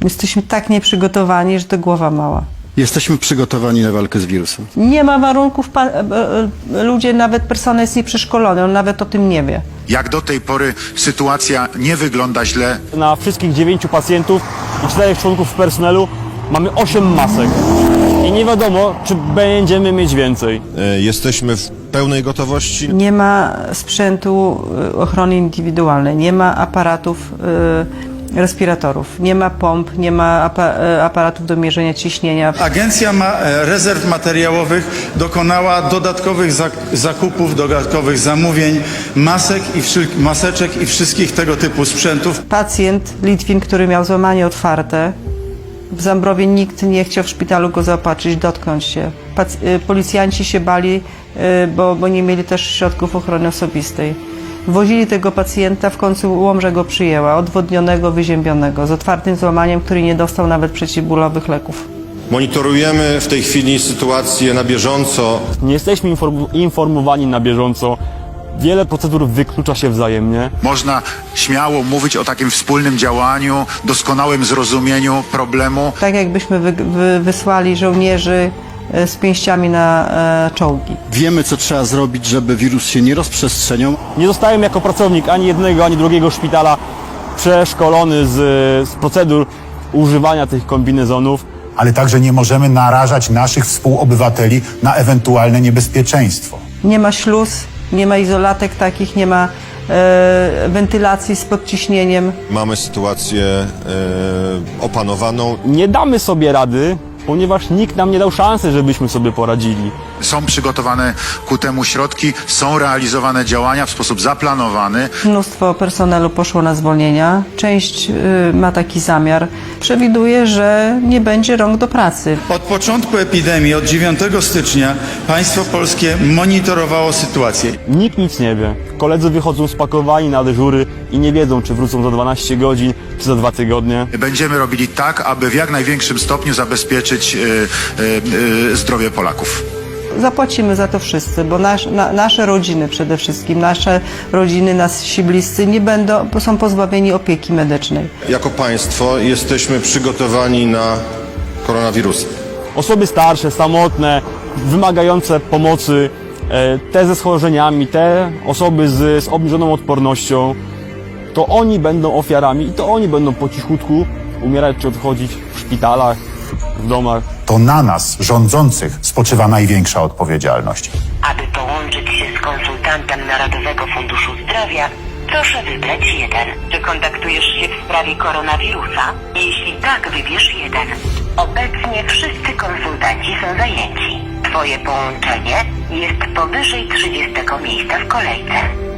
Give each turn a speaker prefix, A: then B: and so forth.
A: Jesteśmy tak nieprzygotowani, że to głowa mała.
B: Jesteśmy przygotowani na walkę z wirusem.
A: Nie ma warunków, ludzie, nawet personel jest nieprzeszkolony, on nawet o tym nie wie.
C: Jak do tej pory sytuacja nie wygląda źle.
D: Na wszystkich 9 pacjentów i 4 członków personelu mamy 8 masek. I nie wiadomo, czy będziemy mieć więcej.
E: Jesteśmy w pełnej gotowości.
A: Nie ma sprzętu ochrony indywidualnej, nie ma aparatów, respiratorów, nie ma pomp, nie ma aparatów do mierzenia ciśnienia.
F: Agencja Rezerw Materiałowych dokonała dodatkowych zakupów, dodatkowych zamówień, maseczek i wszystkich tego typu sprzętów.
A: Pacjent Litwin, który miał złamanie otwarte, w Zambrowie nikt nie chciał w szpitalu go zaopatrzyć, dotknąć się. Policjanci się bali, bo nie mieli też środków ochrony osobistej. Wozili tego pacjenta, w końcu Łomża go przyjęła, odwodnionego, wyziębionego, z otwartym złamaniem, który nie dostał nawet przeciwbólowych leków.
E: Monitorujemy w tej chwili sytuację na bieżąco.
D: Nie jesteśmy informowani na bieżąco. Wiele procedur wyklucza się wzajemnie.
C: Można śmiało mówić o takim wspólnym działaniu, doskonałym zrozumieniu problemu.
A: Tak jakbyśmy wysłali żołnierzy z pięściami na czołgi.
B: Wiemy, co trzeba zrobić, żeby wirus się nie rozprzestrzeniał.
D: Nie zostałem jako pracownik ani jednego, ani drugiego szpitala przeszkolony z procedur używania tych kombinezonów.
G: Ale także nie możemy narażać naszych współobywateli na ewentualne niebezpieczeństwo.
A: Nie ma śluz, nie ma izolatek takich, nie ma wentylacji z podciśnieniem.
E: Mamy sytuację opanowaną.
D: Nie damy sobie rady, ponieważ nikt nam nie dał szansy, żebyśmy sobie poradzili.
C: Są przygotowane ku temu środki, są realizowane działania w sposób zaplanowany.
A: Mnóstwo personelu poszło na zwolnienia. Część ma taki zamiar. Przewiduje, że nie będzie rąk do pracy.
F: Od początku epidemii, od 9 stycznia, państwo polskie monitorowało sytuację.
D: Nikt nic nie wie. Koledzy wychodzą spakowani na dyżury i nie wiedzą, czy wrócą za 12 godzin, czy za 2 tygodnie.
C: Będziemy robili tak, aby w jak największym stopniu zabezpieczyć zdrowie Polaków.
A: Zapłacimy za to wszyscy, bo nasze rodziny przede wszystkim, nasze rodziny, nasi bliscy są pozbawieni opieki medycznej.
E: Jako państwo jesteśmy przygotowani na koronawirusa.
D: Osoby starsze, samotne, wymagające pomocy, te ze schorzeniami, te osoby z obniżoną odpornością, to oni będą ofiarami i to oni będą po cichutku umierać czy odchodzić w szpitalach, w domach.
G: To na nas, rządzących, spoczywa największa odpowiedzialność.
H: Aby połączyć się z konsultantem Narodowego Funduszu Zdrowia, proszę wybrać 1. Czy kontaktujesz się w sprawie koronawirusa? Jeśli tak, wybierz 1. Obecnie wszyscy konsultanci są zajęci. Twoje połączenie jest powyżej 30 miejsca w kolejce.